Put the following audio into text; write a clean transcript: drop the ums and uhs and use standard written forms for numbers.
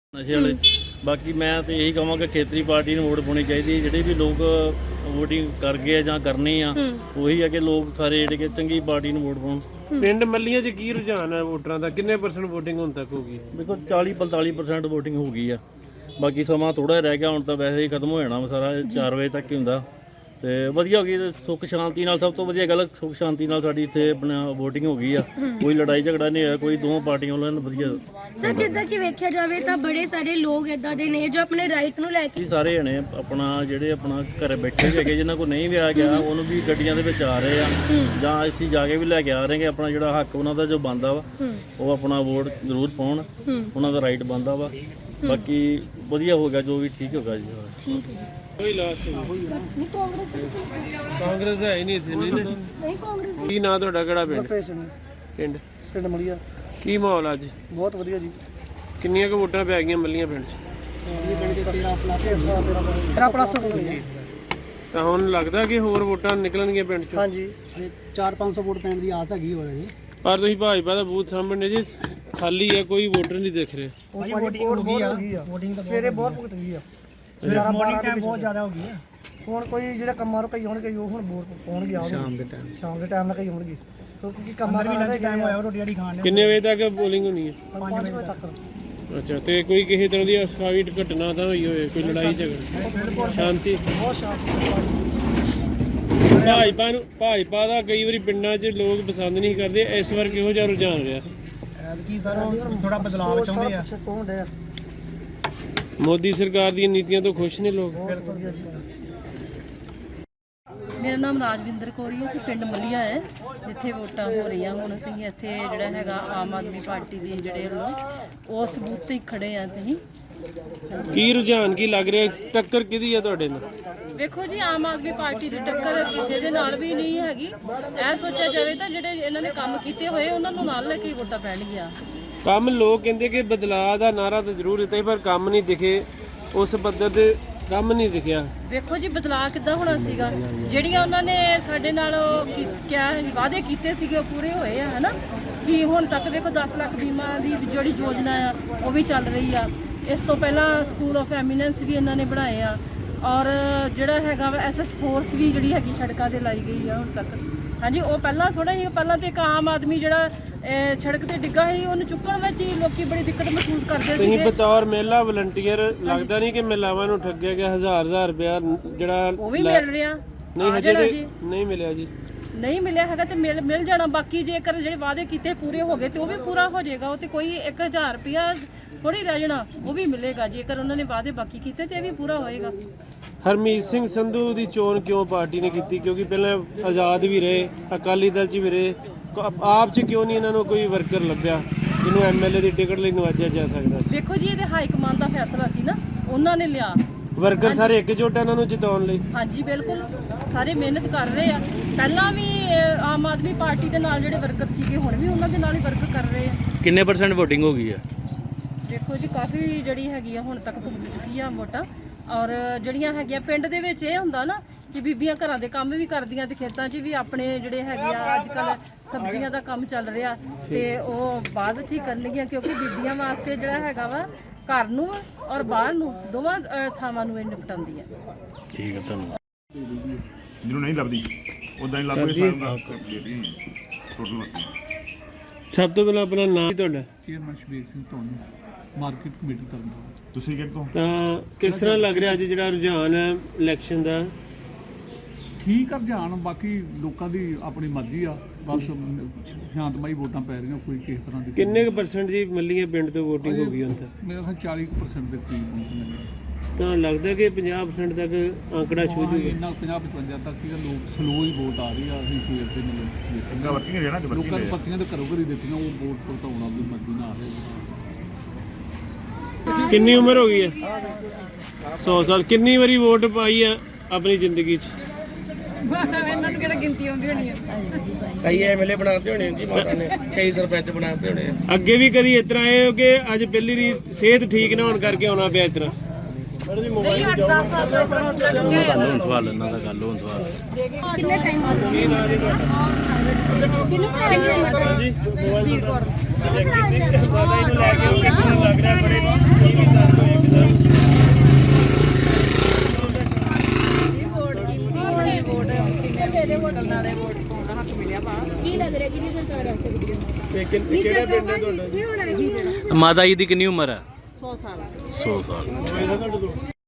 ਨਸ਼ੇ ਵਾਲੇ। ਬਾਕੀ ਮੈਂ ਤਾਂ ਇਹੀ ਕਹਾਂਗਾ ਖੇਤਰੀ ਪਾਰਟੀ ਨੂੰ ਵੋਟ ਪਾਉਣੀ ਚਾਹੀਦੀ ਹੈ। ਜਿਹੜੇ ਵੀ ਲੋਕ ਵੋਟਿੰਗ ਕਰ ਗਏ ਆ ਜਾਂ ਕਰਨੀ ਆ ਉਹੀ ਆ ਕਿ ਲੋਕ ਸਾਰੇ ਜਿਹੜੇ ਕਿ ਚੰਗੀ ਪਾਰਟੀ ਨੂੰ ਵੋਟ ਪਾਉਣ। ਪਿੰਡ ਮੱਲੀਆਂ 'ਚ ਕੀ ਰੁਝਾਨ ਹੈ ਵੋਟਰਾਂ ਦਾ? ਕਿੰਨੇ % ਵੋਟਿੰਗ ਹੁਣ ਤੱਕ ਹੋ ਗਈ? ਦੇਖੋ 40-45% ਵੋਟਿੰਗ ਹੋ ਗਈ ਆ। ਬਾਕੀ ਸਮਾਂ ਥੋੜਾ ਰਹਿ ਗਿਆ, ਹੁਣ ਤਾਂ ਵੈਸੇ ਹੀ ਖਤਮ ਹੋ ਜਾਣਾ ਸਾਰਾ। 4 ਵਜੇ ਤੱਕ ਹੀ ਹੁੰਦਾ ਤੇ ਵਧੀਆ ਹੋ ਗਈ। ਸੁੱਖ ਸ਼ਾਂਤੀ ਨਾਲ, ਸਭ ਤੋਂ ਵਧੀਆ ਗੱਲ ਸੁੱਖ ਸ਼ਾਂਤੀ ਨਾਲ ਸਾਡੀ ਇੱਥੇ ਆਪਣਾ ਵੋਟਿੰਗ ਹੋ ਗਈ ਆ। ਕੋਈ ਲੜਾਈ ਝਗੜਾ ਨਹੀਂ ਹੋਇਆ, ਕੋਈ ਦੋਵਾਂ ਪਾਰਟੀਆਂ ਵੱਲੋਂ ਵਧੀਆ। ਸਰ ਜਿੱਦਾਂ ਕਿ ਵੇਖਿਆ ਜਾਵੇ ਤਾਂ ਬੜੇ ਸਾਰੇ ਲੋਕ ਇਦਾਂ ਦੇ ਨੇ ਜੋ ਆਪਣੇ ਰਾਈਟ ਨੂੰ ਲੈ ਕੇ ਸਾਰੇ ਜਣੇ ਆਪਣਾ ਜਿਹੜੇ ਆਪਣਾ ਘਰੇ ਬੈਠੇ ਹੈਗੇ ਜਿਨ੍ਹਾਂ ਕੋਲ ਨਹੀਂ ਵਿਆਹ ਗਿਆ ਉਹਨੂੰ ਵੀ ਗੱਡੀਆਂ ਦੇ ਵਿੱਚ ਆ ਰਹੇ ਆ ਜਾਂ ਇੱਥੇ ਜਾ ਕੇ ਵੀ ਲੈ ਕੇ ਆ ਰਹੇ ਆਪਣਾ ਜਿਹੜਾ ਹੱਕ ਉਹਨਾਂ ਦਾ ਜੋ ਬਣਦਾ ਵਾ ਉਹ ਆਪਣਾ ਵੋਟ ਜ਼ਰੂਰ ਪਾਉਣ। ਉਹਨਾਂ ਦਾ ਰਾਈਟ ਬਣਦਾ ਵਾ। ਬਾਕੀ ਵਧੀਆ ਹੋ ਗਿਆ, ਜੋ ਵੀ ਠੀਕ ਹੋਗਾ ਜੀ। ਠੀਕ ਹੈ ਕੋਈ ਲਾਸਟ ਨਹੀਂ ਕਾਂਗਰਸ ਹੈ ਹੀ ਨਹੀਂ ਇੱਥੇ। ਨਹੀਂ ਕਾਂਗਰਸ ਕੀ ਨਾਂ ਤੁਹਾਡਾ? ਕਿਹੜਾ ਪਿੰਡ? ਪਿੰਡ ਮਲੀਆ। ਕੀ ਮਾਹੌਲ ਅੱਜ? ਬਹੁਤ ਵਧੀਆ ਜੀ। ਕਿੰਨੀਆਂ ਕੁ ਵੋਟਾਂ ਪੈ ਗਈਆਂ ਮੱਲੀਆਂ ਪਿੰਡ 'ਚ? 13+ ਤਾਂ ਹੁਣ ਲੱਗਦਾ ਕਿ ਹੋਰ ਵੋਟਾਂ ਨਿਕਲਣਗੀਆਂ ਪਿੰਡ 'ਚੋਂ? ਹਾਂਜੀ 400-500 ਵੋਟ ਪੈਣ ਦੀ ਆਸ ਹੈਗੀ ਹੋਰ ਜੀ। ਪਰ ਤੁਸੀਂ ਭਾਜਪਾ ਦਾ ਬੂਥ ਸਾਹਮਣੇ ਜੀ ਖਾਲੀ ਹੈ, ਕੋਈ ਵੋਟਰ ਨਹੀਂ ਦਿਖ ਰਿਹਾ। ਵੋਟ ਹੋ ਗਈ ਆ। ਸਵੇਰੇ ਬਹੁਤ ਭੁਗਤ ਗਈ ਆ। 11-12 ਟਾਈਮ ਬਹੁਤ ਜ਼ਿਆਦਾ ਹੋ ਗਈ ਆ। ਹੁਣ ਕੋਈ ਜਿਹੜਾ ਕੰਮਾਂ ਰੁਕਈ ਹੋਣਗੇ ਉਹ ਹੁਣ ਵੋਟ ਪਾਉਣਗੇ ਆ ਸ਼ਾਮ ਦੇ ਟਾਈਮ ਨਾਲ ਕਈ ਹੋਣਗੇ ਕਿਉਂਕਿ ਕੰਮਾਂ ਦਾ ਟਾਈਮ ਹੋਇਆ ਰੋਟੀ ਆੜੀ ਖਾਣ। ਕਿੰਨੇ ਵਜੇ ਤੱਕ ਪੋਲਿੰਗ ਹੋਣੀ ਹੈ? 5 ਵਜੇ ਤੱਕ। ਅੱਛਾ, ਤੇ ਕੋਈ ਕਿਸੇ ਤਰ੍ਹਾਂ ਦੀ ਅਸਕਾਵੀ ਘਟਨਾ ਤਾਂ ਹੋਈ ਹੋਵੇ? ਕੋਈ ਲੜਾਈ ਝਗੜਾ? ਸ਼ਾਂਤੀ? ਬਹੁਤ ਸ਼ਾਂਤੀ। ਭਾਜਪਾ ਦਾ ਕਈ ਵਾਰੀ ਪਿੰਡਾਂ 'ਚ ਲੋਕ ਪਸੰਦ ਨਹੀਂ ਕਰਦੇ, ਇਸ ਵਾਰ ਕਿਹੋ ਜਿਹਾ ਰੁਝਾਨ ਰਿਹਾ? ਕੀ ਸਰ ਥੋੜਾ ਬਦਲਾਅ ਚਾਹੁੰਦੇ ਆ। ਮੋਦੀ ਸਰਕਾਰ ਦੀਆਂ ਨੀਤੀਆਂ ਤੋਂ ਖੁਸ਼ ਨੇ ਲੋਕ? ਮੇਰਾ ਨਾਮ ਰਾਜਵਿੰਦਰ ਕੌਰ ਹੈ ਤੇ ਪਿੰਡ ਮੱਲੀਆ ਹੈ ਜਿੱਥੇ ਵੋਟਾਂ ਹੋ ਰਹੀਆਂ। ਹੁਣ ਤੁਸੀਂ ਇੱਥੇ ਜਿਹੜਾ ਹੈਗਾ ਆਮ ਆਦਮੀ ਪਾਰਟੀ ਦੀ ਜਿਹੜੇ ਵੱਲੋਂ ਉਸ ਬੂਥ ਤੇ ਖੜੇ ਆ। ਤੁਸੀਂ ਕੀ ਰੁਝਾਨ ਕੀ ਲੱਗ ਰਿਹਾ? ਟੱਕਰ ਕਿਹਦੀ ਹੈ ਤੁਹਾਡੇ ਨਾਲ? ਵੇਖੋ ਜੀ, ਆਮ ਆਦਮੀ ਪਾਰਟੀ ਦੀ ਟੱਕਰ ਕਿਸੇ ਦੇ ਨਾਲ ਵੀ ਨਹੀਂ ਹੈਗੀ। ਇਹ ਸੋਚਿਆ ਜਾਵੇ ਤਾਂ ਜਿਹੜੇ ਇਹਨਾਂ ਨੇ ਕੰਮ ਕੀਤੇ ਹੋਏ ਉਹਨਾਂ ਨੂੰ ਨਾਲ ਲੈ ਕੇ ਵੋਟਾਂ ਪੈਣਗੀਆਂ। ਕੰਮ ਲੋਕ ਕਹਿੰਦੇ ਕਿ ਬਦਲਾਅ ਦਾ ਨਾਰਾ ਤਾਂ ਜ਼ਰੂਰ ਦਿੱਤਾ ਪਰ ਕੰਮ ਨਹੀਂ ਦਿਖੇ, ਉਸ ਪੱਧਰ ਤੇ ਕੰਮ ਨਹੀਂ ਦਿਖਿਆ। ਵੇਖੋ ਜੀ, ਬਦਲਾਅ ਕਿੱਦਾਂ ਹੋਣਾ ਸੀਗਾ? ਜਿਹੜੀਆਂ ਉਹਨਾਂ ਨੇ ਸਾਡੇ ਨਾਲ ਕਿਹਾ ਵਾਅਦੇ ਕੀਤੇ ਸੀਗੇ ਉਹ ਪੂਰੇ ਹੋਏ ਆ, ਹਨਾ? ਕਿ ਹੁਣ ਤੱਕ ਵੇਖੋ 10 ਲੱਖ ਬੀਮਾ ਦੀ ਜਿਹੜੀ ਯੋਜਨਾ ਆ ਉਹ ਵੀ ਚੱਲ ਰਹੀ ਆ। ਇਸ ਤੋਂ ਪਹਿਲਾਂ ਸਕੂਲ ਆਫ ਐਮੀਨੈਂਸ ਵੀ ਇਹਨਾਂ ਨੇ ਬਣਾਏ ਆ ਔਰ ਜਿਹੜਾ ਹੈਗਾ ਵਾ SS ਫੋਰਸ ਵੀ ਜਿਹੜੀ ਹੈਗੀ ਸੜਕਾਂ ਤੇ ਲਾਈ ਗਈ ਆ ਹੁਣ ਤੱਕ। ਹਾਂਜੀ, ਉਹ ਪਹਿਲਾਂ ਥੋੜਾ ਹੀ ਪਹਿਲਾਂ ਤੇ ਇੱਕ ਆਮ ਆਦਮੀ ਜਿਹੜਾ ਸੜਕ ਤੇ ਡਿੱਗਾ ਸੀ ਉਹਨੂੰ ਚੁੱਕਣ ਵਿੱਚ ਹੀ ਲੋਕੀ ਬੜੀ ਦਿੱਕਤ ਮਹਿਸੂਸ ਕਰਦੇ ਤੁਸੀਂ ਸੀ। ਬਤੌਰ ਮਹਿਲਾ ਵਲੰਟੀਅਰ ਲੱਗਦਾ ਨਹੀਂ ਕਿ ਮਹਿਲਾਵਾਂ ਨੂੰ ਠੱਗਿਆ ਗਿਆ? 1000 ਰੁਪਇਆ ਜਿਹੜਾ ਉਹ ਵੀ ਮਿਲ ਰਿਹਾ? ਨਹੀਂ, ਹਜੇ ਨਹੀਂ ਮਿਲਿਆ ਜੀ। ਨਹੀਂ ਮਿਲਿਆ ਹੈਗਾ ਤੇ ਮਿਲ ਜਾਣਾ। ਬਾਕੀ ਜੇਕਰ ਜਿਹੜੇ ਵਾਅਦੇ ਕੀਤੇ ਪੂਰੇ ਹੋ ਗਏ ਤੇ ਉਹ ਵੀ ਪੂਰਾ ਹੋ ਜਾਏਗਾ। ਉਹ ਤੇ ਕੋਈ 1000 ਰੁਪਇਆ ਥੋੜੀ ਰਹਿ ਜਾਣਾ, ਉਹ ਵੀ ਮਿਲੇਗਾ। ਜੇਕਰ ਉਹਨਾਂ ਨੇ ਵਾਅਦੇ ਬਾਕੀ ਕੀਤੇ ਤੇ ਇਹ ਵੀ ਪੂਰਾ ਹੋਏਗਾ। ਹਰਮੀਤ ਸਿੰਘ ਸੰਧੂ ਦੀ ਚੋਣ ਕਿਉਂ ਪਾਰਟੀ ਨੇ ਕੀਤੀ? ਕਿਉਂਕਿ ਪਹਿਲਾਂ ਆਜ਼ਾਦ ਵੀ ਰਹੇ, ਅਕਾਲੀ ਦਲ 'ਚ ਵੀ ਰਹੇ, ਆਪ 'ਚ ਕਿਉਂ ਨਹੀਂ ਇਹਨਾਂ ਨੂੰ ਕੋਈ ਵਰਕਰ ਲੱਭਿਆ ਜਿਹਨੂੰ MLA ਦੀ ਟਿਕਟ ਲਈ ਨਵਾਜਿਆ ਜਾ ਸਕਦਾ ਸੀ? ਦੇਖੋ ਜੀ, ਇਹਦੇ ਹਾਈ ਕਮਾਂਡ ਦਾ ਫੈਸਲਾ ਸੀ ਨਾ, ਉਹਨਾਂ ਨੇ ਲਿਆ। ਵਰਕਰ ਸਾਰੇ ਇਕਜੁੱਟ ਇਹਨਾਂ ਨੂੰ ਜਿਤਾਉਣ ਲਈ? ਹਾਂਜੀ ਬਿਲਕੁਲ, ਸਾਰੇ ਮਿਹਨਤ ਕਰ ਰਹੇ ਆ। ਪਹਿਲਾਂ ਵੀ ਆਮ ਆਦਮੀ ਪਾਰਟੀ ਦੇ ਨਾਲ ਜਿਹੜੇ ਵਰਕਰ ਸੀਗੇ ਹੁਣ ਵੀ ਉਹਨਾਂ ਦੇ ਨਾਲ ਹੀ ਵਰਕ ਕਰ ਰਹੇ ਆ। ਕਿੰਨੇ % ਵੋਟਿੰਗ ਹੋ ਗਈ ਆ? ਦੇਖੋ ਜੀ, ਕਾਫੀ ਜਿਹੜੀ ਹੈਗੀ ਆ ਹੁਣ ਤੱਕ ਭੁਗਤ ਚੁੱਕੀ ਆ ਵੋਟਾਂ। ਔਰ ਜਿਹੜੀਆਂ ਹੈਗੀਆਂ ਪਿੰਡ ਦੇ ਵਿੱਚ ਇਹ ਹੁੰਦਾ ਨਾ ਕਿ ਬੀਬੀਆਂ ਘਰਾਂ ਦੇ ਕੰਮ ਵੀ ਕਰਦੀਆਂ ਤੇ ਖੇਤਾਂ 'ਚ ਵੀ ਆਪਣੇ ਜਿਹੜੇ ਹੈਗੇ ਆ ਅੱਜ ਕੱਲ੍ਹ ਸਬਜ਼ੀਆਂ ਦਾ ਕੰਮ ਚੱਲ ਰਿਹਾ ਤੇ ਉਹ ਬਾਅਦ 'ਚ ਹੀ ਕਰਨਗੀਆਂ ਕਿਉਂਕਿ ਬੀਬੀਆਂ ਵਾਸਤੇ ਜਿਹੜਾ ਹੈਗਾ ਵਾ ਘਰ ਨੂੰ ਔਰ ਬਾਹਰ ਨੂੰ ਦੋਵਾਂ ਥਾਵਾਂ ਨੂੰ ਇਹ ਨਿਪਟਾਉਂਦੀ ਹੈ। ਠੀਕ ਹੈ, ਧੰਨਵਾਦ। ਜਿਹਨੂੰ ਨਹੀਂ ਲੱਭਦੀ ਉਦਾਂ ਹੀ ਲੱਭ ਕੇ ਸਾਰਾ ਟੋਟਲ। ਸਭ ਤੋਂ ਪਹਿਲਾਂ ਆਪਣਾ ਨਾਮ ਤੁਹਾਡਾ? Chairman Shabir Singh Dhoni, market committee Tarn Taran. ਤੁਸੀਂ ਕਿੱਥੋਂ? ਤਾਂ ਕਿਸ ਤਰ੍ਹਾਂ ਲੱਗ ਰਿਹਾ ਅੱਜ ਜਿਹੜਾ ਰੁਝਾਨ ਹੈ ਇਲੈਕਸ਼ਨ ਦਾ? ਠੀਕ ਆ ਰੁਝਾਨ, ਬਾਕੀ ਲੋਕਾਂ ਦੀ ਆਪਣੀ ਮਰਜ਼ੀ ਆ। ਬਸ ਸ਼ਾਂਤਮਈ ਵੋਟਾਂ ਪੈ ਰਹੀਆਂ, ਕੋਈ ਕਿਸੇ ਤਰ੍ਹਾਂ ਦੀ। ਕਿੰਨੇ ਕੁ % ਜੀ ਮੱਲੀਆਂ ਪਿੰਡ ਤੋਂ ਵੋਟਿੰਗ ਹੋ ਗਈ ਹੁਣ ਤੱਕ? ਮੇਰਾ ਖਿਆਲ 40% ਦੇ ਕਰੀਬ ਪਹੁੰਚਣੇ। ਤਾਂ ਲੱਗਦਾ ਕਿ 50% ਤੱਕ ਆંકੜਾ ਛੂ ਜੂਗਾ? ਇੰਨਾ 50-55 ਤੱਕ ਸੀਗਾ। ਲੋਕ ਸਲੋ ਹੀ ਵੋਟ ਆ ਰਹੀ ਆ। ਅਸੀਂ ਸਵੇਰ ਤੇ ਮਤਲਬ ਅੱਗਾ ਵਰਕਿੰਗ ਰਹਿਣਾ ਤੇ ਲੋਕਾਂ ਨੂੰ ਪੱਤੀਆਂ ਤੇ ਘਰੋਂ ਘਰੀ ਦਿੱਤੀਆਂ, ਉਹ ਵੋਟ ਭੁਗਤਾਉਣ ਦੀ ਮਰਜ਼ੀ ਨਾਲ ਆ ਰਹੇ। ਕਿੰਨੀ ਉਮਰ ਹੋ ਗਈ ਹੈ? 100 ਸਾਲ। ਕਿੰਨੀ ਵਾਰੀ ਵੋਟ ਪਾਈ ਆ ਆਪਣੀ ਜ਼ਿੰਦਗੀ 'ਚ? ਇਹਨਾਂ ਨੂੰ ਕਿਹੜਾ ਗਿਣਤੀ ਆਉਂਦੀ ਹੋਣੀ ਹੈ? ਕਈ MLA ਬਣਾਤੇ ਹੋਣੇ ਜੀ ਮਾਤਾ ਨੇ, ਕਈ ਸਰਪੰਚ ਬਣਾਤੇ ਹੋਣੇ। ਅੱਗੇ ਵੀ ਕਦੀ ਇਸ ਤਰ੍ਹਾਂ ਆਏ ਹੋ ਕਿ ਅੱਜ ਪਹਿਲੀ ਵਾਰੀ ਸਿਹਤ ਠੀਕ ਨਾ ਹੋਣ ਕਰਕੇ ਆਉਣਾ ਪਿਆ ਇਸ ਤਰ੍ਹਾਂ? ਨਹੀਂ 8-10 ਸਾਲ ਦਾ ਸਵਾਲ ਇਹਨਾਂ ਦਾ ਗੱਲ ਹੋਣ ਸਵਾਲ ਕਿੰਨੇ ਟਾਈਮ ਹੋ ਗਿਆ? ਕਿੰਨੇ ਟਾਈਮ? ਜੀ ਸਪੀਡ ਕੋਰ। ਕਿੰਨੇ ਕੁ ਬਾਅਦ ਇਹਨੂੰ ਲੈ ਕੇ ਕਿਸ ਨੂੰ ਲੱਗ ਰਿਹਾ ਬੜੇ ਮੇਰੇ ਹੋਟਲ ਨਾਲੇ ਵੋਟ ਪਾਉਣ ਦਾ ਹੱਕ ਮਿਲਿਆ ਵਾ। ਕੀ ਲੱਗ ਰਿਹਾ ਕਿਹਦੀ ਸਰਕਾਰ ਆ ਸਕਦੀ ਹੈ? ਕਿਹੜਾ ਪਿੰਡ ਹੈ ਤੁਹਾਡਾ? ਕੀ ਹੋਣਾ ਜੀ? ਮਾਤਾ ਜੀ ਦੀ ਕਿੰਨੀ ਉਮਰ ਹੈ? 100 ਸਾਲ 100 ਸਾਲ।